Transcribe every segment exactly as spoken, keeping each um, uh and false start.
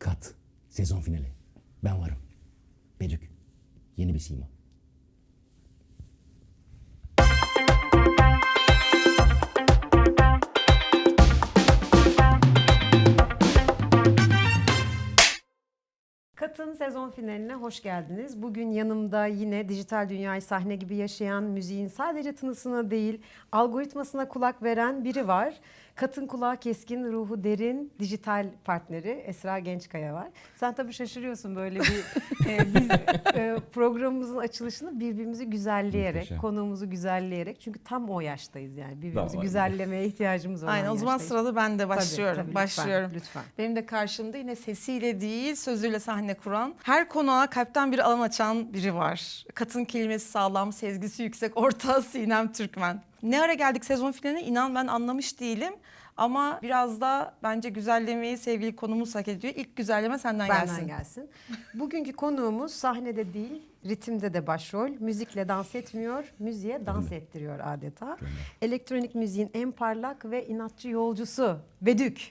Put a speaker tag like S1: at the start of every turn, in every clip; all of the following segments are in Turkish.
S1: kat, sezon finali. Ben varım. Bedük, yeni bir sima.
S2: Kat'ın sezon finaline hoş geldiniz. Bugün yanımda yine dijital dünyayı sahne gibi yaşayan, müziğin sadece tınısına değil, algoritmasına kulak veren biri var. Kat'ın kulağı keskin, ruhu derin, dijital partneri Esra Gençkaya var. Sen tabii şaşırıyorsun böyle bir e, biz e, programımızın açılışını birbirimizi güzelleyerek,
S1: Muhteşem.
S2: konuğumuzu güzelleyerek. Çünkü tam o yaştayız yani. Birbirimizi
S1: Tamam.
S2: güzellemeye ihtiyacımız olan
S3: Aynen, o zaman
S2: yaştayız.
S3: sırada ben de
S2: Tabii,
S3: başlıyorum.
S2: tabii, lütfen,
S3: başlıyorum.
S2: lütfen.
S3: Benim de karşımda yine sesiyle değil, sözüyle sahne kuran, her konuğa kalpten bir alan açan biri var. Katın kelimesi sağlam, sezgisi yüksek, ortağı Sinem Türkmen. Ne ara geldik sezon finaline inan ben anlamış değilim. Ama biraz da bence güzellemeyi sevgili konumuz hak ediyor. İlk güzelleme senden
S2: Benden
S3: gelsin.
S2: gelsin. Bugünkü konuğumuz sahnede değil, ritimde de başrol. Müzikle dans etmiyor, müziğe dans ettiriyor adeta. Elektronik müziğin en parlak ve inatçı yolcusu Bedük.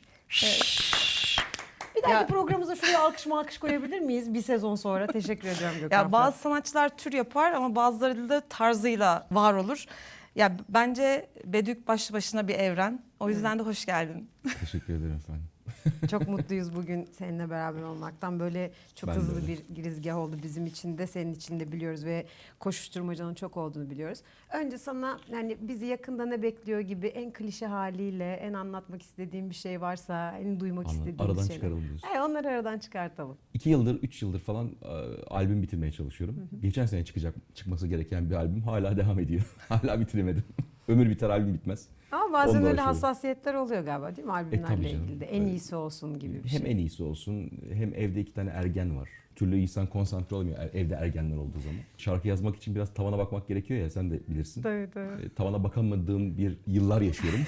S2: Bir dahaki
S3: Ya-
S2: programımıza şuraya alkış alkış koyabilir miyiz? Bir sezon sonra. Teşekkür ediyorum Gökhan.
S3: Ya bazı sanatçılar tür yapar ama bazıları da tarzıyla var olur. Ya bence Bedük başlı başına bir evren. O yüzden de hoş geldin.
S1: Teşekkür ederim efendim.
S2: Çok mutluyuz bugün seninle beraber olmaktan. Böyle çok
S1: Ben de
S2: hızlı
S1: öyle.
S2: bir girizgah oldu bizim için de, senin için de biliyoruz ve koşuşturmacanın çok olduğunu biliyoruz. Önce sana yani bizi yakında ne bekliyor gibi en klişe haliyle en anlatmak istediğin bir şey varsa, en duymak
S1: Anladım.
S2: istediğin
S1: Aradan
S2: şeyler.
S1: çıkaralım diyorsun.
S2: Evet, onları aradan çıkartalım.
S1: İki yıldır, üç yıldır falan e, albüm bitirmeye çalışıyorum. Geçen sene çıkacak, çıkması gereken bir albüm hala devam ediyor. Hala bitiremedim. Ömür biter, albüm bitmez.
S2: Ama bazen
S1: Onunla
S2: öyle
S1: uğraşıyorum.
S2: hassasiyetler oluyor galiba değil mi albümlerle
S1: tabii canım.
S2: ilgili de. En
S1: Evet.
S2: iyisi olsun gibi bir şey.
S1: Hem en iyisi olsun, hem evde iki tane ergen var. Bir türlü insan konsantre olamıyor er- evde ergenler olduğu zaman. Şarkı yazmak için biraz tavana bakmak gerekiyor ya, sen de bilirsin.
S2: Tabii tabii.
S1: E, Tavana bakamadığım bir yıllar yaşıyorum.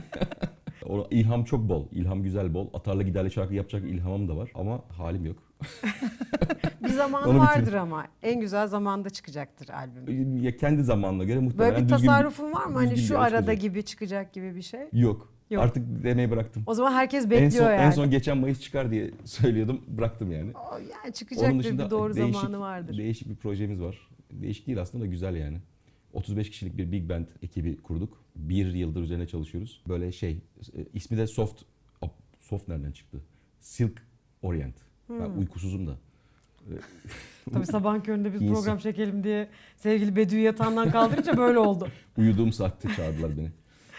S1: O ilham çok bol, ilham güzel bol. Atarlı giderli şarkı yapacak ilhamım da var ama halim yok.
S2: Bir zaman
S1: Onu
S2: vardır
S1: bitir-
S2: ama en güzel zamanda çıkacaktır albüm.
S1: Ya kendi zamanına göre muhtemelen
S2: Böyle bir
S1: düzgün
S2: tasarrufun var mı? Hani
S1: düzgün bir
S2: şu
S1: yere
S2: arada
S1: çıkacak.
S2: gibi çıkacak gibi bir şey.
S1: Yok.
S2: Yok.
S1: Artık deneyi bıraktım.
S2: O zaman herkes
S1: En
S2: bekliyor
S1: son,
S2: yani.
S1: en son geçen Mayıs çıkar diye söylüyordum. Bıraktım yani.
S2: O yani çıkacaktır, bir doğru
S1: değişik,
S2: zamanı vardır.
S1: değişik bir projemiz var. Değişik değil aslında da güzel yani. otuz beş kişilik bir big band ekibi kurduk. Bir yıldır üzerine çalışıyoruz. Böyle şey, e, ismi de Soft, Soft nereden çıktı? Silk Orient. Ben
S2: Hmm.
S1: uykusuzum da.
S2: Tabii sabahın köründe biz
S1: İyisi.
S2: program çekelim diye sevgili Bedü'yü yatağından kaldırınca böyle oldu.
S1: Uyuduğum saatte çağırdılar beni.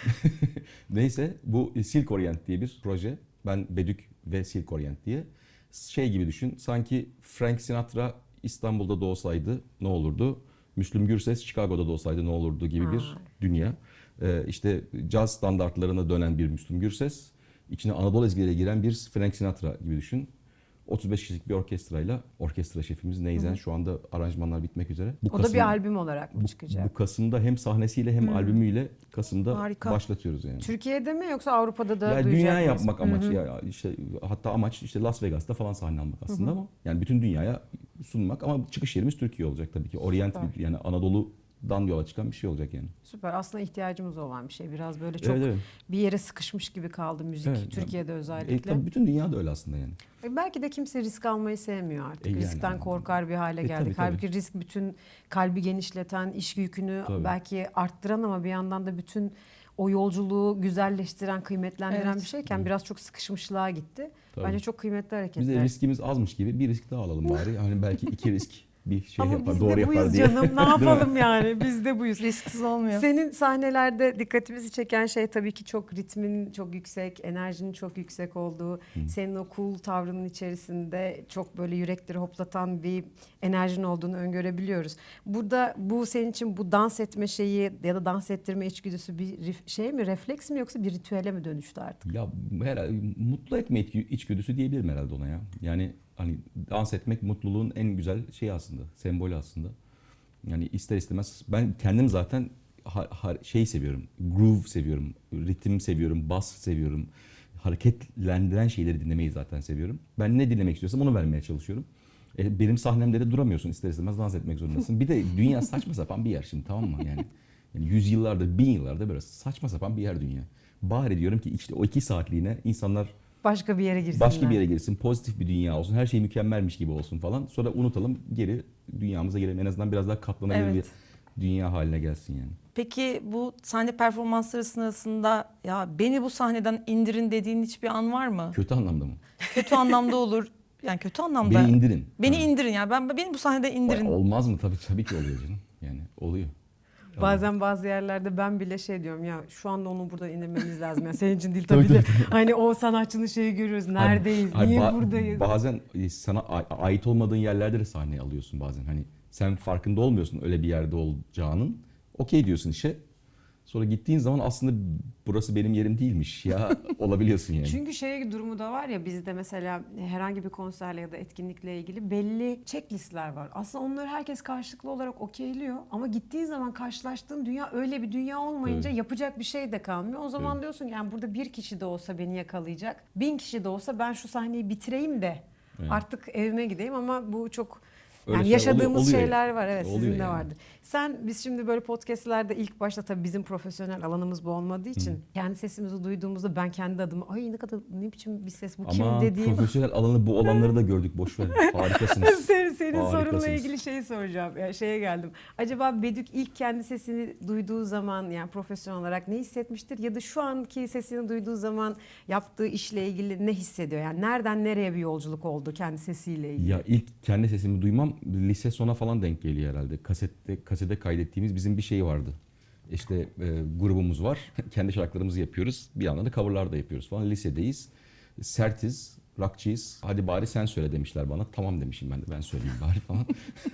S1: Neyse bu Silk Orient diye bir proje. Ben Bedük ve Silk Orient diye. Şey gibi düşün, sanki Frank Sinatra İstanbul'da doğsaydı ne olurdu? Müslüm Gürses Chicago'da doğsaydı ne olurdu gibi bir
S2: Vay.
S1: dünya. Ee, işte caz standartlarına dönen bir Müslüm Gürses, içine Anadolu ezgileri giren bir Frank Sinatra gibi düşün. otuz beş kişilik bir orkestrayla, orkestra şefimiz Neyzen, şu anda aranjmanlar bitmek üzere. Bu
S2: O da
S1: Kasım-
S2: bir albüm olarak mı
S1: bu,
S2: çıkacak?
S1: bu Kasım'da hem sahnesiyle hem albümüyle Kasım'da
S3: Harika.
S1: başlatıyoruz yani.
S2: Türkiye'de mi yoksa Avrupa'da da
S1: Ya
S2: duyacak
S1: dünya
S2: mıyız?
S1: yapmak
S2: Hı hı.
S1: amacı ya işte, hatta amaç işte Las Vegas'ta falan sahne almak aslında ama yani bütün dünyaya sunmak, ama çıkış yerimiz Türkiye olacak tabii ki. Orient
S2: Süper.
S1: yani Anadolu'dan yola çıkan bir şey olacak yani.
S2: Süper. Aslında ihtiyacımız olan bir şey. Biraz böyle çok
S1: Evet, evet.
S2: bir yere sıkışmış gibi kaldı müzik.
S1: Evet,
S2: Türkiye'de
S1: E,
S2: özellikle.
S1: tabii bütün dünya da öyle aslında yani.
S2: E, Belki de kimse risk almayı sevmiyor artık.
S1: E, yani.
S2: Riskten korkar bir hale
S1: E,
S2: geldik.
S1: tabii, tabii.
S2: Halbuki risk bütün kalbi genişleten, iş yükünü
S1: Tabii.
S2: belki arttıran ama bir yandan da bütün o yolculuğu güzelleştiren, kıymetlendiren
S3: Evet.
S2: bir şeyken biraz çok sıkışmışlığa gitti.
S1: Tabii.
S2: Bence çok kıymetli
S1: Biz
S2: hareketler.
S1: de riskimiz azmış gibi bir risk daha alalım bari. Hani belki iki risk bir şey
S2: Ama
S1: yapar,
S2: biz
S1: doğru
S2: de
S1: yapar
S2: buyuz
S1: diye.
S2: canım. Ne
S1: Değil mi?
S2: yapalım yani? Biz de buyuz.
S3: Risksiz olmuyor.
S2: Senin sahnelerde dikkatimizi çeken şey tabii ki çok ritmin çok yüksek, enerjinin çok yüksek olduğu, senin o cool tavrının içerisinde çok böyle yürekleri hoplatan bir enerjin olduğunu öngörebiliyoruz. Burada bu senin için bu dans etme şeyi ya da dans ettirme içgüdüsü bir rif- şey mi, refleks mi yoksa bir ritüele mi dönüştü artık?
S1: Ya herhalde mutlu etme içgü- içgüdüsü diyebilirim herhalde ona ya. Yani hani dans etmek mutluluğun en güzel şeyi aslında, sembolü aslında. Yani ister istemez ben kendim zaten ha, ha- şey seviyorum, groove seviyorum, ritim seviyorum, bas seviyorum. Hareketlendiren şeyleri dinlemeyi zaten seviyorum. Ben ne dinlemek istiyorsam onu vermeye çalışıyorum. E, benim sahnemde de duramıyorsun, ister istemez dans etmek zorundasın. Bir de dünya saçma sapan bir yer şimdi, tamam mı? Yani, yani yüzyıllardır, bin yıllardır böyle saçma sapan bir yer dünya. Bari diyorum ki işte o iki saatliğine insanlar
S2: Başka bir yere girsinler.
S1: Başka bir yere girsin, pozitif bir dünya olsun, her şey mükemmelmiş gibi olsun falan. Sonra unutalım, geri dünyamıza gelelim. En azından biraz daha katlanabilir
S3: Evet.
S1: bir dünya haline gelsin yani.
S3: Peki bu sahne performansları sırasında ya beni bu sahneden indirin dediğin hiçbir an var mı?
S1: Kötü anlamda mı?
S3: Kötü anlamda olur. Yani kötü anlamda.
S1: Beni indirin.
S3: Beni
S1: Ha.
S3: indirin ya. Ben beni bu sahnede indirin.
S1: Olmaz mı? Tabii tabii ki oluyor canım. Yani oluyor.
S2: Bazen bazı yerlerde ben bile şey diyorum ya şu anda onu buradan indirmemiz lazım. Ya senin için değil
S1: Tabii,
S2: tabii de.
S1: tabii.
S2: Hani o sanatçının şeyi görüyoruz. Neredeyiz?
S1: Hayır,
S2: Niye
S1: ba-
S2: buradayız?
S1: Bazen e, sana a- ait olmadığın yerlerde de sahneye alıyorsun bazen. Hani sen farkında olmuyorsun öyle bir yerde olacağının. Okey diyorsun işe. Sonra gittiğin zaman aslında burası benim yerim değilmiş ya olabiliyorsun yani.
S2: Çünkü şey durumu da var ya bizde mesela herhangi bir konserle ya da etkinlikle ilgili belli checklistler var. Aslında onları herkes karşılıklı olarak okeyliyor ama gittiğin zaman karşılaştığın dünya öyle bir dünya olmayınca
S1: Evet.
S2: yapacak bir şey de kalmıyor. O zaman
S1: Evet.
S2: diyorsun ki yani burada bir kişi de olsa beni yakalayacak, bin kişi de olsa ben şu sahneyi bitireyim de
S1: Evet.
S2: artık evime gideyim ama bu çok
S1: Öyle
S2: yani
S1: şeyler
S2: yaşadığımız
S1: oluyor- oluyor
S2: şeyler
S1: yani.
S2: var evet
S1: Oluyor
S2: sizin de
S1: yani.
S2: vardır. Sen biz şimdi böyle podcastlerde ilk başta tabii bizim profesyonel alanımız bu olmadığı için kendi sesimizi duyduğumuzda ben kendi adıma ay ne kadar ne biçim bir ses bu kim
S1: Ama
S2: dediğim.
S1: profesyonel alanı bu olanları da gördük boş ver. Harikasınız.
S2: senin, senin sorunla
S1: Harikasınız.
S2: ilgili şey soracağım. Yani şeye geldim. Acaba Bedük ilk kendi sesini duyduğu zaman yani profesyonel olarak ne hissetmiştir? Ya da şu anki sesini duyduğu zaman yaptığı işle ilgili ne hissediyor? Yani nereden nereye bir yolculuk oldu kendi sesiyle ilgili?
S1: Ya ilk kendi sesimi duymam lise sona falan denk geliyor herhalde. Kasette kasete kaydettiğimiz bizim bir şey vardı. İşte e, grubumuz var. Kendi şarkılarımızı yapıyoruz. Bir yandan da coverlar da yapıyoruz falan. Lisedeyiz. Sertiz, rockçıyız. Hadi bari sen söyle demişler bana. Tamam demişim ben de ben söyleyeyim bari falan.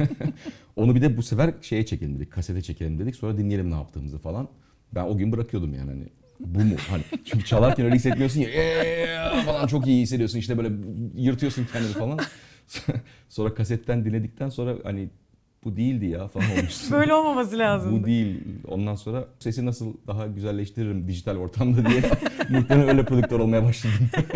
S1: Onu bir de bu sefer şeye çekelim dedik. Kasete çekelim dedik. Sonra dinleyelim ne yaptığımızı falan. Ben o gün bırakıyordum yani hani. Bu mu? Hani çünkü çalarken öyle hissetmiyorsun ya. "Eee" falan çok iyi hissediyorsun. İşte böyle yırtıyorsun kendini falan. Sonra kasetten dinledikten sonra hani bu değildi ya falan olmuştu.
S2: Böyle olmaması lazım.
S1: Bu değil. Ondan sonra sesi nasıl daha güzelleştiririm dijital ortamda diye muhtemelen öyle prodüktör olmaya başladım.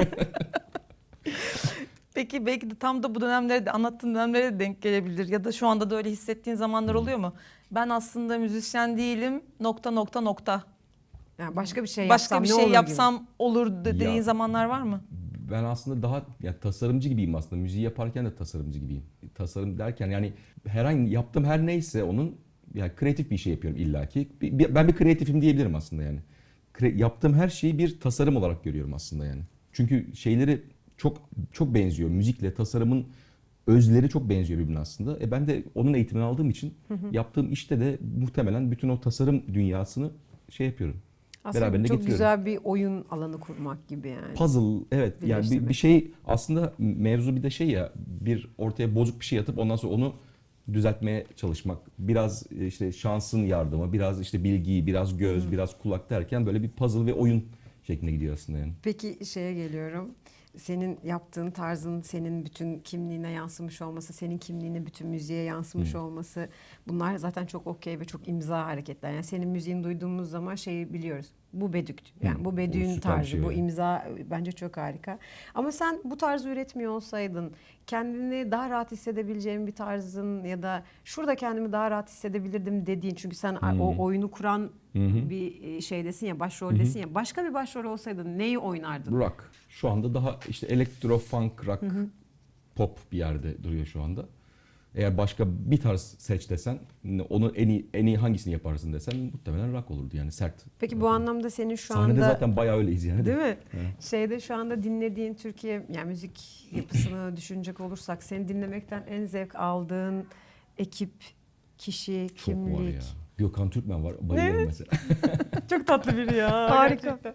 S3: Peki belki de tam da bu dönemlere de anlattığın dönemlere de denk gelebilir. Ya da şu anda da öyle hissettiğin zamanlar oluyor mu? Ben aslında müzisyen değilim nokta nokta nokta.
S2: Yani başka bir şey
S3: Başka
S2: yapsam
S3: bir
S2: ne
S3: şey
S2: olur
S3: yapsam olur dediğin
S1: Ya.
S3: zamanlar var mı?
S1: Ben aslında daha ya tasarımcı gibiyim aslında. Müziği yaparken de tasarımcı gibiyim. Tasarım derken yani herhangi yaptığım her neyse onun yani kreatif bir şey yapıyorum illaki. Bir- bir- Ben bir kreatifim diyebilirim aslında yani. Kre- yaptığım her şeyi bir tasarım olarak görüyorum aslında yani. Çünkü şeyleri çok çok benziyor. Müzikle tasarımın özleri çok benziyor birbirine aslında. E ben de onun eğitimini aldığım için yaptığım işte de muhtemelen bütün o tasarım dünyasını şey yapıyorum.
S2: Aslında
S1: Beraberinde
S2: çok
S1: getiriyorum.
S2: güzel bir oyun alanı kurmak gibi yani.
S1: Puzzle evet yani bir,
S2: Birleştirmek.
S1: bir şey aslında mevzu bir de şey ya bir ortaya bozuk bir şey atıp ondan sonra onu düzeltmeye çalışmak. Biraz işte şansın yardımı, biraz işte bilgi, biraz göz, biraz kulak derken böyle bir puzzle ve oyun şeklinde gidiyor aslında yani.
S2: Peki şeye geliyorum. Senin yaptığın tarzın senin bütün kimliğine yansımış olması, senin kimliğine bütün müziğe yansımış
S1: Hı.
S2: olması bunlar zaten çok okey ve çok imza hareketler. Yani senin müziğini duyduğumuz zaman şeyi biliyoruz. Bu Bedük. Yani
S1: Hı.
S2: bu
S1: O
S2: Bedük'ün
S1: süper bir
S2: tarzı,
S1: şey
S2: bu
S1: öyle.
S2: imza bence çok harika. Ama sen bu tarzı üretmiyor olsaydın kendini daha rahat hissedebileceğin bir tarzın ya da şurada kendimi daha rahat hissedebilirdim dediğin çünkü sen
S1: Hı.
S2: o oyunu kuran
S1: Hı hı.
S2: bir şeydesin ya, başroldesin ya. Başka bir başrol olsaydın neyi oynardın?
S1: Rock. Şu anda daha işte elektro, funk, rock, pop bir yerde duruyor şu anda. Eğer başka bir tarz seç desen, onu en iyi, en iyi hangisini yaparsın desen muhtemelen rock olurdu yani sert.
S2: Peki
S1: rock
S2: bu
S1: olurdu.
S2: anlamda senin şu
S1: Sahnede
S2: anda
S1: zaten bayağı öyleyiz yani.
S2: değil mi?
S1: Evet.
S2: Şeyde şu anda dinlediğin Türkiye yani müzik yapısını düşünecek olursak seni dinlemekten en zevk aldığın ekip, kişi,
S1: Çok
S2: kimlik.
S1: var ya. Gökhan Türkmen var. Bayılıyorum
S2: Evet.
S1: mesela.
S2: Çok tatlı biri ya.
S3: Harika.
S2: Gerçekten.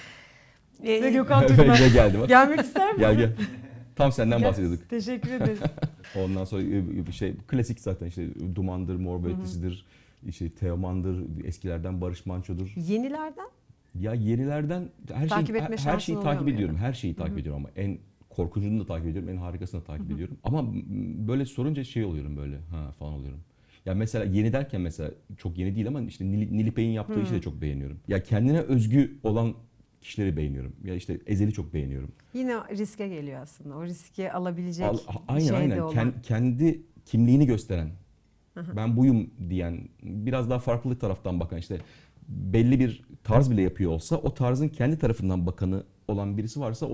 S3: Ee,
S2: Ve Gökhan
S1: Böyle
S2: Türkmen.
S1: geldi bak.
S2: Gelmek ister misin?
S1: Gel gel. Tam senden
S2: Gel.
S1: bahsediyorduk.
S2: Teşekkür ederiz.
S1: Ondan sonra bir şey klasik zaten işte Duman'dır, Mor ve Ötesi'dir, işte Teoman'dır, eskilerden Barış Manço'dur.
S2: Yenilerden?
S1: Ya yenilerden her
S2: Takip
S1: şeyi
S2: etme
S1: her
S2: şansın
S1: şeyi
S2: oluyor
S1: takip
S2: mu
S1: ediyorum.
S2: yani?
S1: Her şeyi takip ediyorum ama en korkuncunu da takip ediyorum, en harikasını da takip ediyorum. Ama m- böyle sorunca şey oluyorum böyle ha falan oluyorum. Ya mesela yeni derken mesela çok yeni değil ama işte Nil- Nilüfer'in yaptığı işi de çok beğeniyorum. Ya kendine özgü olan kişileri beğeniyorum. Ya işte Ezel'i çok beğeniyorum.
S2: Yine riske geliyor aslında. O riski alabilecek
S1: Al- aynen
S2: şeyde
S1: aynen
S2: olan.
S1: Ken- kendi kimliğini gösteren, ben buyum diyen, biraz daha farklı taraftan bakan işte belli bir tarz bile yapıyor olsa o tarzın kendi tarafından bakanı olan birisi varsa onu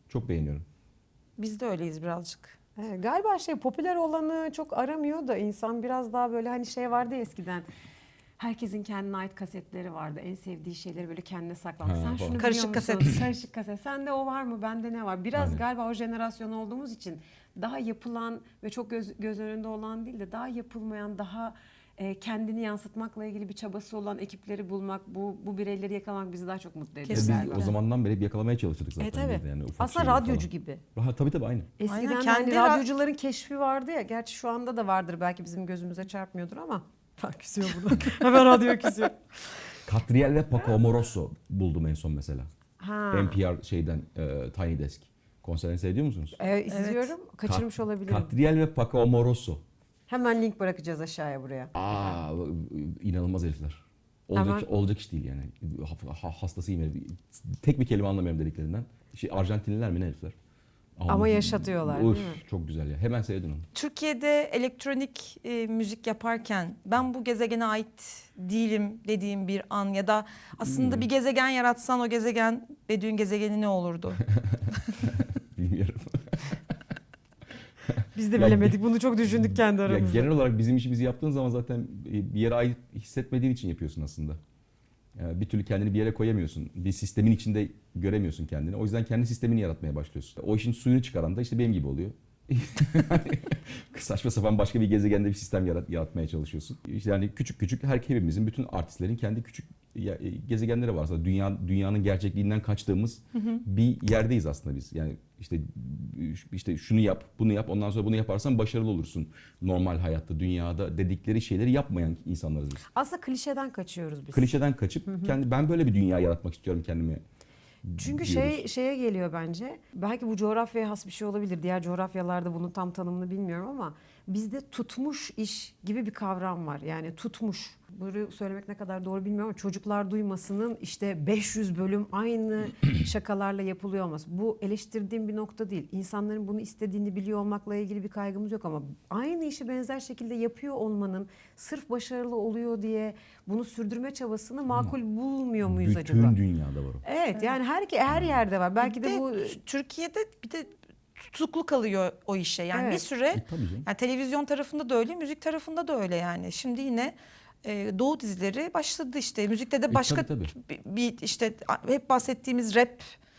S1: Çok beğeniyorum.
S3: Biz de öyleyiz birazcık.
S2: Ee, galiba şey popüler olanı çok aramıyor da insan biraz daha böyle hani şey vardı ya eskiden. Herkesin kendine ait kasetleri vardı. En sevdiği şeyleri böyle kendine saklamak.
S1: Ha,
S2: Sen
S1: falan.
S2: şunu
S3: Karışık
S2: biliyor musun?
S3: kaset.
S2: Karışık kaset. Sende o var mı? Bende ne var? Biraz
S1: Aynen.
S2: galiba o jenerasyon olduğumuz için daha yapılan ve çok göz, göz önünde olan değil de daha yapılmayan, daha e, kendini yansıtmakla ilgili bir çabası olan ekipleri bulmak, bu bu bireyleri yakalamak bizi daha çok mutlu ediyor.
S1: Ve biz
S3: Kesinlikle.
S1: o zamandan beri hep yakalamaya çalıştık zaten.
S2: E tabii.
S1: biz de yani ufak
S2: Aslında
S1: şeyleri
S2: radyocu
S1: falan.
S2: gibi.
S1: Ha, tabii tabii aynı.
S2: Eskiden
S3: Aynen,
S2: hani
S3: kendi ra-
S2: radyocuların keşfi vardı ya. Gerçi şu anda da vardır. Belki bizim gözümüze çarpmıyordur ama. Ha, küsüyor burada. Hemen radyo küsüyor.
S1: Catriel ve Paco Amoroso buldum en son mesela.
S2: Ha.
S1: N P R şeyden e, Tiny Desk. Konserini seyrediyor musunuz?
S2: Evet, izliyorum. Kaçırmış
S1: Kat-
S2: olabilirim.
S1: Catriel ve Paco Amoroso.
S2: Hemen link bırakacağız aşağıya buraya.
S1: Aa, inanılmaz herifler. Olacak,
S2: Hemen-
S1: olacak iş değil yani. Ha- ha- Hastasıyım herif. Tek bir kelime anlamıyorum dediklerinden. Şey, Arjantinliler mi ne herifler?
S2: Ama yaşatıyorlar,
S1: Uf,
S2: değil mi?
S1: Çok güzel ya. Hemen seyredin onu.
S3: Türkiye'de elektronik e, müzik yaparken ben bu gezegene ait değilim dediğim bir an ya da aslında
S1: Hmm.
S3: bir gezegen yaratsan o gezegen Bedü'nün gezegeni ne olurdu?
S1: Bilmiyorum.
S2: Biz de
S1: Ya-
S2: bilemedik. Bunu çok düşündük kendi
S1: Ya
S2: aramızda.
S1: genel olarak bizim işimizi yaptığın zaman zaten bir yere ait hissetmediğin için yapıyorsun aslında. Yani bir türlü kendini bir yere koyamıyorsun. Bir sistemin içinde göremiyorsun kendini. O yüzden kendi sistemini yaratmaya başlıyorsun. O işin suyunu çıkaran da işte benim gibi oluyor. Saçma sapan başka bir gezegende bir sistem yarat, yaratmaya çalışıyorsun. İşte yani küçük küçük her hepimizin, bütün artistlerin kendi küçük ya- e, gezegenleri var aslında. Dünya dünyanın gerçekliğinden kaçtığımız bir yerdeyiz aslında biz. Yani işte işte şunu yap, bunu yap, ondan sonra bunu yaparsan başarılı olursun. Normal hayatta, dünyada dedikleri şeyleri yapmayan insanlarız biz.
S2: Aslında klişeden kaçıyoruz biz.
S1: Klişeden kaçıp kendi ben böyle bir dünya yaratmak istiyorum kendime.
S2: Çünkü
S1: diyoruz.
S2: şey şeye geliyor bence. Belki bu coğrafyaya has bir şey olabilir. Diğer coğrafyalarda bunun tam tanımını bilmiyorum ama bizde tutmuş iş gibi bir kavram var. Yani tutmuş. Bunu söylemek ne kadar doğru bilmiyorum ama çocuklar duymasının işte beş yüz bölüm aynı şakalarla yapılıyor olması. Bu eleştirdiğim bir nokta değil. İnsanların bunu istediğini biliyor olmakla ilgili bir kaygımız yok ama aynı işi benzer şekilde yapıyor olmanın sırf başarılı oluyor diye bunu sürdürme çabasını makul bulmuyor muyuz
S1: Bütün
S2: acaba?
S1: dünyada var o.
S2: Evet, yani her her yerde var. Belki
S3: Bir
S2: de
S3: de
S2: bu
S3: Türkiye'de bir de tutuklu kalıyor o işe. Yani
S2: Evet.
S3: bir süre
S1: E, tabii canım.
S3: yani televizyon tarafında da öyle, müzik tarafında da öyle yani. Şimdi yine e, Doğu dizileri başladı işte. Müzikte de
S1: E,
S3: başka
S1: tabii,
S3: bir, bir işte hep bahsettiğimiz rap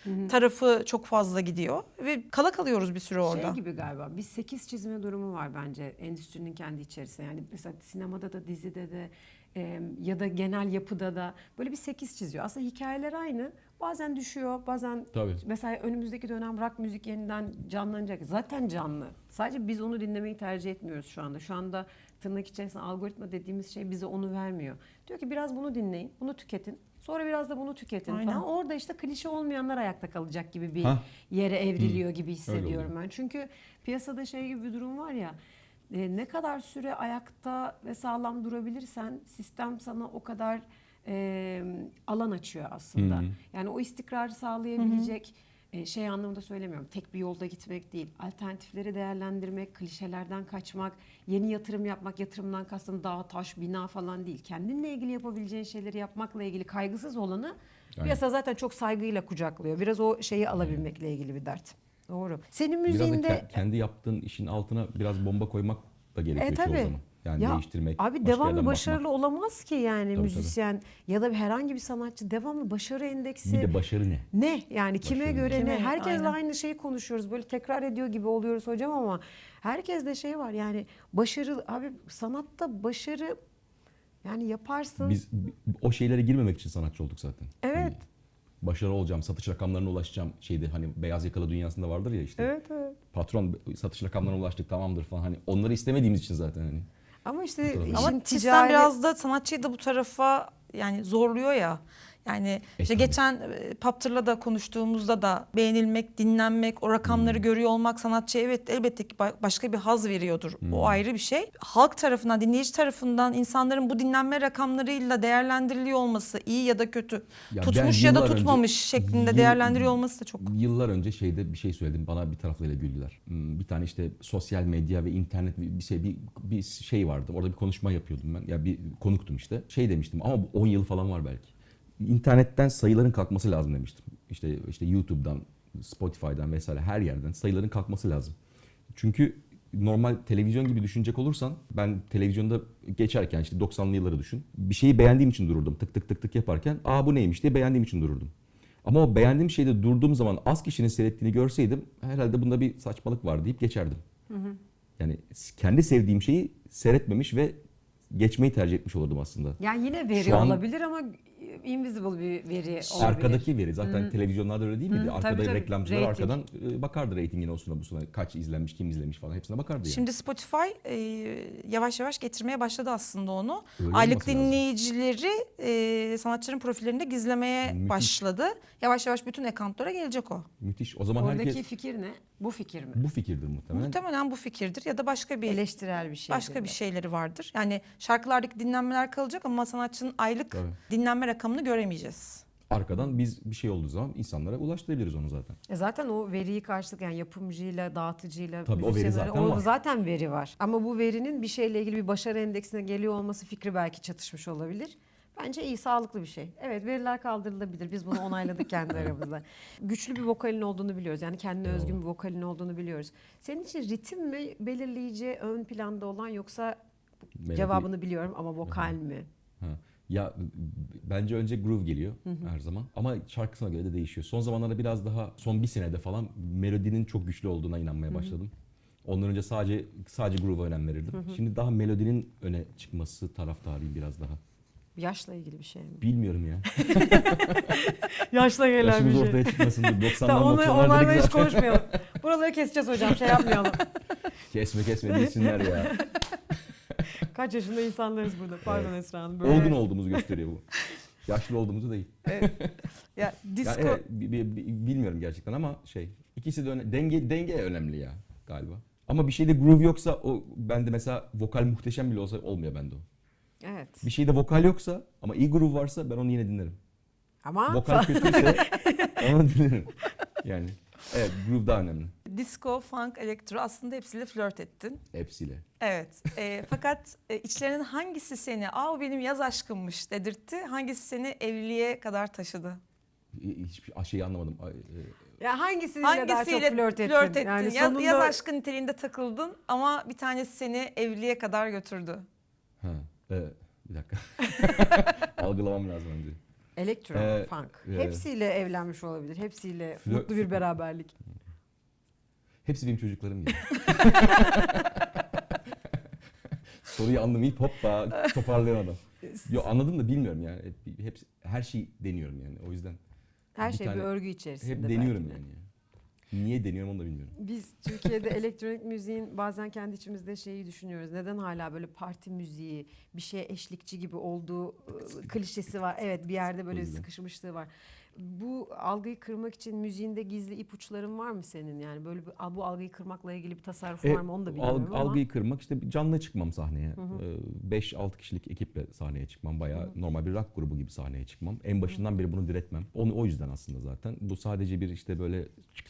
S3: tarafı çok fazla gidiyor ve kala kalıyoruz bir süre orada.
S2: şey gibi galiba bir sekiz çizme durumu var bence endüstrinin kendi içerisinde. Yani mesela sinemada da dizide de e, ya da genel yapıda da böyle bir sekiz çiziyor. Aslında hikayeler aynı. Bazen düşüyor, bazen
S1: Tabii.
S2: mesela önümüzdeki dönem rock müzik yeniden canlanacak. Zaten canlı. Sadece biz onu dinlemeyi tercih etmiyoruz şu anda. Şu anda tırnak içerisinde algoritma dediğimiz şey bize onu vermiyor. Diyor ki biraz bunu dinleyin, bunu tüketin. Sonra biraz da bunu tüketin
S3: Aynen.
S2: falan. Orada işte klişe olmayanlar ayakta kalacak gibi bir
S1: Hah.
S2: yere evriliyor gibi
S1: Öyle
S2: hissediyorum
S1: oluyor.
S2: ben. Çünkü piyasada şey gibi bir durum var ya, e, ne kadar süre ayakta ve sağlam durabilirsen sistem sana o kadar e, alan açıyor aslında.
S1: Hı hı.
S2: Yani o istikrarı sağlayabilecek e, şey anlamında söylemiyorum. Tek bir yolda gitmek değil. Alternatifleri değerlendirmek, klişelerden kaçmak, yeni yatırım yapmak, yatırımdan kastım dağ, taş, bina falan değil. Kendinle ilgili yapabileceğin şeyleri yapmakla ilgili kaygısız olanı
S1: Aynen.
S2: piyasa zaten çok saygıyla kucaklıyor. Biraz o şeyi alabilmekle ilgili bir dert. Doğru. Senin
S1: Biraz da
S2: müziğinde
S1: ke- kendi yaptığın işin altına biraz bomba koymak da gerekiyor
S2: E,
S1: çoğu
S2: tabii.
S1: zaman. Yani
S2: Ya,
S1: değiştirmek,
S2: abi
S1: başka
S2: devamlı
S1: yerden
S2: başarılı
S1: bakmak.
S2: olamaz ki yani
S1: Tabii,
S2: müzisyen ya da herhangi bir sanatçı devamlı başarı endeksi
S1: Bir de başarı ne?
S2: ne yani kime
S1: Başarı
S2: göre
S3: ne?
S2: ne?
S3: Kime?
S2: Herkesle
S3: Aynen.
S2: aynı şeyi konuşuyoruz. Böyle tekrar ediyor gibi oluyoruz hocam ama herkeste şey var yani başarı abi sanatta başarı yani yaparsın.
S1: Biz o şeylere girmemek için sanatçı olduk zaten.
S2: Evet.
S1: Hani başarılı olacağım, satış rakamlarına ulaşacağım şeydi hani beyaz yakalı dünyasında vardır ya işte.
S2: Evet evet.
S1: Patron satış rakamlarına ulaştık tamamdır falan hani onları istemediğimiz için zaten hani.
S2: Ama işte
S1: Ama
S2: işin
S3: Ama sistem
S2: ticari
S3: biraz da sanatçıyı da bu tarafa yani zorluyor ya. Yani işte
S1: tabii.
S3: geçen e, Paptır'la da konuştuğumuzda da beğenilmek, dinlenmek, o rakamları
S1: Hmm.
S3: görüyor olmak sanatçıya evet elbette ki ba- başka bir haz veriyordur.
S1: Hmm.
S3: O ayrı bir şey. Halk tarafından, dinleyici tarafından insanların bu dinlenme rakamlarıyla değerlendiriliyor olması iyi ya da kötü,
S1: Ya
S3: tutmuş
S1: ben
S3: ya da
S1: yıllar önce-
S3: tutmamış şeklinde
S1: yıl-
S3: değerlendiriyor olması da çok.
S1: Yıllar önce şeyde bir şey söyledim bana bir taraflarıyla güldüler. Hmm, Bir tane işte sosyal medya ve internet bir bir şey bir, bir şey vardı. Orada bir konuşma yapıyordum ben. Ya bir konuktum işte. Şey demiştim ama bu on yıl falan var belki. İnternetten sayıların kalkması lazım demiştim. İşte işte YouTube'dan Spotify'dan vesaire her yerden sayıların kalkması lazım. Çünkü normal televizyon gibi düşünecek olursan ben televizyonda geçerken işte doksanlı yılları düşün. Bir şeyi beğendiğim için dururdum. Tık tık tık tık yaparken aa bu neymiş diye beğendiğim için dururdum. Ama o beğendiğim şeyde durduğum zaman az kişinin seyrettiğini görseydim herhalde bunda bir saçmalık var deyip geçerdim. Hı hı. Yani kendi sevdiğim şeyi seyretmemiş ve geçmeyi tercih etmiş olurdum aslında.
S2: Yani yine veri
S1: Şu an-
S2: olabilir ama invisible bir veri olabilir.
S1: Arkadaki veri zaten televizyonlarda öyle değil miydi?
S2: Hı,
S1: Arkada
S2: tabii, tabii.
S1: reklamcılar
S2: Rating.
S1: arkadan e, bakardı reytingine olsun busuna kaç izlenmiş, kim izlemiş falan hepsine bakardı yani.
S3: Şimdi Spotify e, yavaş yavaş getirmeye başladı aslında onu.
S1: Öyle
S3: Aylık
S1: olması lazım.
S3: dinleyicileri e, sanatçıların profillerinde gizlemeye
S1: Müthiş.
S3: başladı. Yavaş yavaş bütün accountlara gelecek o.
S1: Müthiş. O zaman
S2: Oradaki
S1: herkes
S2: fikir ne? Bu fikir mi?
S1: bu fikirdir muhtemelen.
S3: Muhtemelen bu fikirdir ya da başka bir
S2: Eleştirel bir şey.
S3: başka bir şeyleri vardır. Yani şarkılardaki dinlenmeler kalacak ama sanatçının aylık
S1: Tabii.
S3: dinlenme rakamını göremeyeceğiz.
S1: Arkadan biz bir şey olduğu zaman insanlara ulaştırabiliriz onu zaten.
S2: E zaten o veriyi karşılık yani yapımcıyla, dağıtıcıyla,
S1: Tabii o veri
S2: müzisyenlerle-
S1: zaten
S2: o
S1: var.
S2: zaten veri var. Ama bu verinin bir şeyle ilgili bir başarı endeksine geliyor olması fikri belki çatışmış olabilir. Bence iyi, sağlıklı bir şey. Evet, veriler kaldırılabilir. Biz bunu onayladık kendi aramızda. Güçlü bir vokalin olduğunu biliyoruz. Yani kendine
S1: Eyvallah.
S2: özgün bir vokalin olduğunu biliyoruz. Senin için ritim mi belirleyici, ön planda olan yoksa
S1: Melodi-
S2: cevabını biliyorum ama vokal mi?
S1: Ha. Ya bence önce groove geliyor her zaman ama şarkısına göre de değişiyor. Son zamanlarda biraz daha son bir senede falan melodinin çok güçlü olduğuna inanmaya başladım. Ondan önce sadece sadece groove'a önem verirdim. Şimdi daha melodinin öne çıkması taraftarıyım biraz daha.
S2: Yaşla ilgili bir şey mi?
S1: Bilmiyorum ya.
S2: Yaşla gelen
S1: Yaşımız
S2: bir şey.
S1: ortaya çıkmasın diye. doksanlar
S2: Tamam, onu,
S1: doksanlar
S2: onlarla
S1: dedik
S2: hiç
S1: zaten.
S2: konuşmayalım. Buraları keseceğiz hocam, şey yapmayalım.
S1: Kesme kesme değilsinler ya.
S2: Kaç yaşında insanlarız burada. Pardon Esra Hanım. Böyle
S1: Olgun olduğumuzu gösteriyor bu. Yaşlı olduğumuzu değil.
S3: Ya disco
S1: Yani evet, bi- bi- bi- bilmiyorum gerçekten ama şey ikisi de öne- denge denge önemli ya galiba. Ama bir şeyde groove yoksa o bende mesela vokal muhteşem bile olsa olmuyor bende o.
S2: Evet.
S1: Bir şeyde vokal yoksa ama iyi groove varsa ben onu yine dinlerim.
S2: Ama
S1: Vokal kötüyse onu dinlerim. Yani evet groove daha önemli
S3: disco, funk, elektro aslında hepsiyle flört ettin.
S1: hepsiyle.
S3: Evet. E, fakat e, içlerinin hangisi seni "Aa o benim yaz aşkımmış" dedirtti? Hangisi seni evliliğe kadar taşıdı?
S1: Hiçbir şeyi anlamadım. Ay, e,
S2: ya hangisiyle, daha çok
S3: Hangisiyle
S2: flört ettin?
S3: flört ettin?
S2: Yani
S3: Yaz,
S2: sonunda
S3: yaz aşkı niteliğinde takıldın ama bir tanesi seni evliliğe kadar götürdü.
S1: ha, e, bir dakika. Algılamam lazım önce.
S2: elektro,
S1: Ee,
S2: funk.
S1: e,
S2: Hepsiyle evlenmiş olabilir. Hepsiyle
S1: Flör-
S2: mutlu bir beraberlik.
S1: Hepsi benim çocuklarım gibi. Soruyu anlamayıp hoppa toparlayan adam. Yo anladım da bilmiyorum yani. Hep, hepsi, her şeyi deniyorum yani. O yüzden
S2: Her
S1: bir
S2: şey bir
S1: tane-
S2: örgü içerisinde.
S1: hep deniyorum
S2: belki de.
S1: yani. Niye deniyorum onu da bilmiyorum.
S2: Biz Türkiye'de elektronik müziğin bazen kendi içimizde şeyi düşünüyoruz. Neden hala böyle parti müziği, bir şeye eşlikçi gibi olduğu ıı, klişesi var. Evet, bir yerde böyle
S1: O yüzden.
S2: sıkışmışlığı var. Bu algıyı kırmak için müziğinde gizli ipuçların var mı senin? Yani böyle bir, bu algıyı kırmakla ilgili bir tasarruf
S1: E,
S2: var mı onu da bilmiyorum
S1: alg-
S2: ama.
S1: Algıyı kırmak işte canlı çıkmam sahneye. beş altı kişilik ekiple sahneye çıkmım. Bayağı normal bir rock grubu gibi sahneye çıkmam. En başından beri bunu diretmem. Onu o yüzden aslında zaten. Bu sadece bir işte böyle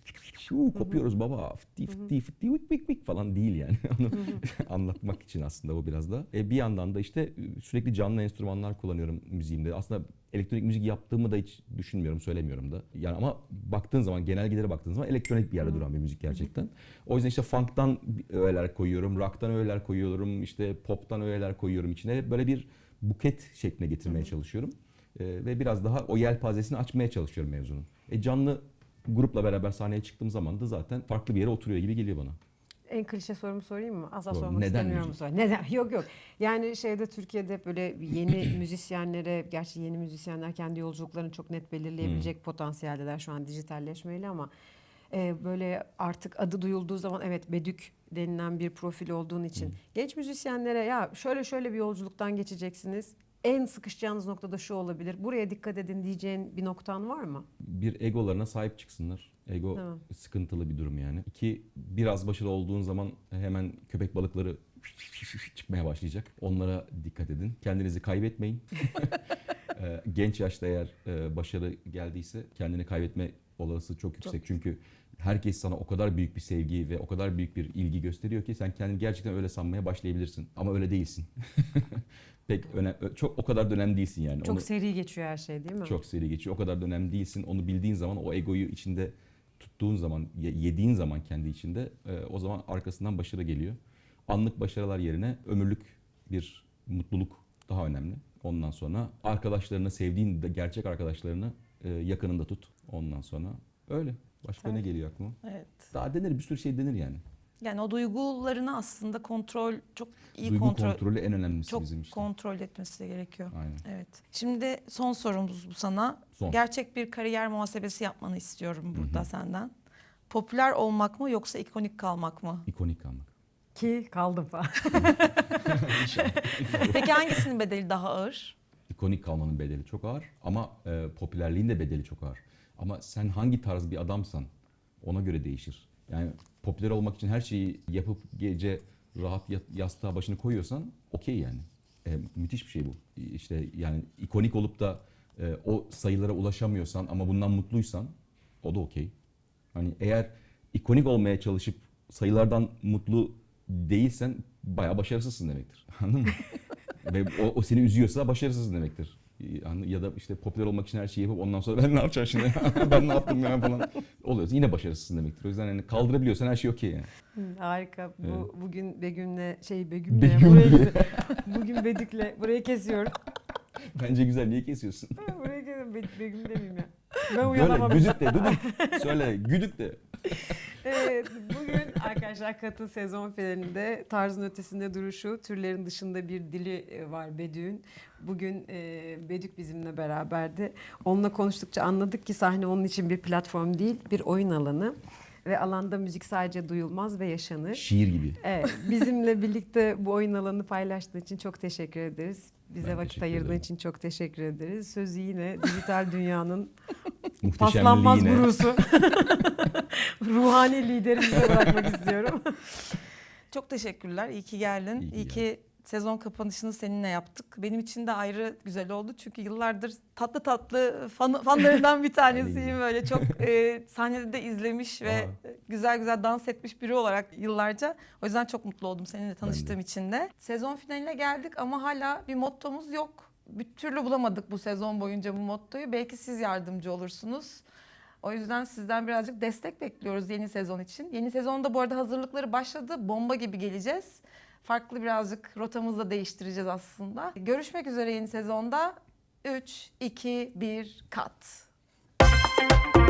S1: şu kopuyoruz baba fıtti fıtti fıtti vik vik vik falan değil yani. Onu anlatmak için aslında o biraz da. E, bir yandan da işte sürekli canlı enstrümanlar kullanıyorum müziğimde. Aslında elektronik müzik yaptığımı da hiç düşünmüyorum, söylemiyorum da. Yani ama baktığın zaman, genelgelere baktığın zaman elektronik bir yerde duran bir müzik gerçekten. O yüzden işte funk'tan öğeler koyuyorum, rock'tan öğeler koyuyorum, işte pop'tan öğeler koyuyorum içine. Böyle bir buket şekline getirmeye çalışıyorum. Ee, ve biraz daha o yelpazesini açmaya çalışıyorum mevzunun. E canlı grupla beraber sahneye çıktığım zaman da zaten farklı bir yere oturuyor gibi geliyor bana.
S2: En klişe sorumu sorayım mı? Asla
S1: Sor.
S2: sormak
S1: Neden
S2: istemiyorum bu
S1: müzik?
S2: soruyu. Neden? Yok yok. Yani şeyde Türkiye'de hep böyle yeni müzisyenlere, gerçi yeni müzisyenler kendi yolculuklarını çok net belirleyebilecek
S1: Hmm.
S2: potansiyeldeler şu an dijitalleşmeyle ama e, böyle artık adı duyulduğu zaman evet Bedük denilen bir profil olduğun için
S1: Hmm.
S2: genç müzisyenlere ya şöyle şöyle bir yolculuktan geçeceksiniz. En sıkışacağınız noktada şu olabilir. Buraya dikkat edin diyeceğin bir noktan var mı?
S1: Bir egolarına sahip çıksınlar. Ego
S2: Tamam.
S1: sıkıntılı bir durum yani. İki, biraz başarılı olduğun zaman hemen köpek balıkları çıkmaya başlayacak. Onlara dikkat edin. Kendinizi kaybetmeyin. Ee, Genç yaşta eğer e, başarı geldiyse kendini kaybetme olasılığı çok yüksek. Çünkü herkes sana o kadar büyük bir sevgi ve o kadar büyük bir ilgi gösteriyor ki sen kendini gerçekten öyle sanmaya başlayabilirsin. Ama öyle değilsin. Pek önem, çok o kadar da önemli değilsin yani.
S2: Çok
S1: Onu-
S2: seri geçiyor her şey değil mi?
S1: çok seri geçiyor. O kadar da önemli değilsin. Onu bildiğin zaman o egoyu içinde tuttuğun zaman, ye- yediğin zaman kendi içinde e, o zaman arkasından başarı geliyor. Anlık başarılar yerine ömürlük bir mutluluk daha önemli. Ondan sonra arkadaşlarını, sevdiğin de gerçek arkadaşlarını e, yakınında tut. Ondan sonra öyle. Başka ne
S2: Tabii.
S1: geliyor aklıma?
S3: Evet.
S1: Daha denir, bir sürü şey denir yani.
S3: Yani o duygularını aslında kontrol çok iyi
S1: Duygu
S3: kontrol
S1: kontrolü en önemlisi
S3: çok
S1: bizim işte.
S3: kontrol etmesi gerekiyor.
S1: Aynen.
S3: Evet. Şimdi son sorumuz bu sana.
S1: Son.
S3: Gerçek bir kariyer muhasebesi yapmanı istiyorum burada
S1: Hı hı.
S3: senden. Popüler olmak mı yoksa ikonik kalmak mı?
S1: İkonik kalmak.
S2: Ki kaldım falan.
S3: Peki hangisinin bedeli daha ağır?
S1: İkonik kalmanın bedeli çok ağır ama e, popülerliğin de bedeli çok ağır. Ama sen hangi tarz bir adamsan ona göre değişir. Yani popüler olmak için her şeyi yapıp gece rahat yat- yastığa başını koyuyorsan okey yani. E, müthiş bir şey bu. İşte yani ikonik olup da e, o sayılara ulaşamıyorsan ama bundan mutluysan o da okey. Hani eğer ikonik olmaya çalışıp sayılardan mutlu değilsen bayağı başarısızsın demektir. Anladın mı? Ve o, o seni üzüyorsa başarısızsın demektir. Yani ya da işte popüler olmak için her şeyi yapıp ondan sonra ben ne yapacağım şimdi? Ben ne yaptım ya falan oluyorsa yine başarısızsın demektir. O yüzden hani kaldırabiliyorsan her şey okey yani.
S2: Hı, harika. Bu
S1: Evet.
S2: bugün Begüm'le şey Begüm'le
S1: Begüm.
S2: buraya gidiyor. Bugün Bedük'le burayı kesiyorum.
S1: Bence güzel, niye kesiyorsun?
S2: Buraya kesiyorum. Be- Begüm demeyeyim ya. Ben
S1: Böyle
S2: uyanamadım.
S1: güdük de, güdük. Söyle, güdük de.
S2: Evet, bugün arkadaşlar Kat'ın sezon finalinde tarzın ötesinde duruşu, türlerin dışında bir dili e, var Bedük'ün. Bugün e, Bedük bizimle beraberdi. Onunla konuştukça anladık ki sahne onun için bir platform değil, bir oyun alanı. Ve alanda müzik sadece duyulmaz ve yaşanır.
S1: Şiir gibi.
S2: Evet, bizimle birlikte bu oyun alanını paylaştığın için çok teşekkür ederiz. Bize
S1: Ben
S2: vakit
S1: teşekkür
S2: ayırdığın
S1: ederim.
S2: için çok teşekkür ederiz. Sözü yine dijital dünyanın
S1: Muhteşemliği
S2: paslanmaz
S1: yine.
S2: gurusu, ruhani liderimize bırakmak istiyorum.
S3: Çok teşekkürler. İyi ki geldin.
S1: İyi ki
S3: İyi ki sezon kapanışını seninle yaptık. Benim için de ayrı güzel oldu. Çünkü yıllardır tatlı tatlı fan, fanlarından bir tanesiyim. Böyle çok e, sahnede de izlemiş ve
S1: Aa.
S3: güzel güzel dans etmiş biri olarak yıllarca. O yüzden çok mutlu oldum seninle tanıştığım için de. Sezon finaline geldik ama hala bir mottomuz yok. Bir türlü bulamadık bu sezon boyunca bu mottoyu. Belki siz yardımcı olursunuz. O yüzden sizden birazcık destek bekliyoruz yeni sezon için. Yeni sezonda bu arada hazırlıkları başladı. Bomba gibi geleceğiz. Farklı birazcık rotamızı da değiştireceğiz aslında. Görüşmek üzere yeni sezonda. üç, iki, bir, kat.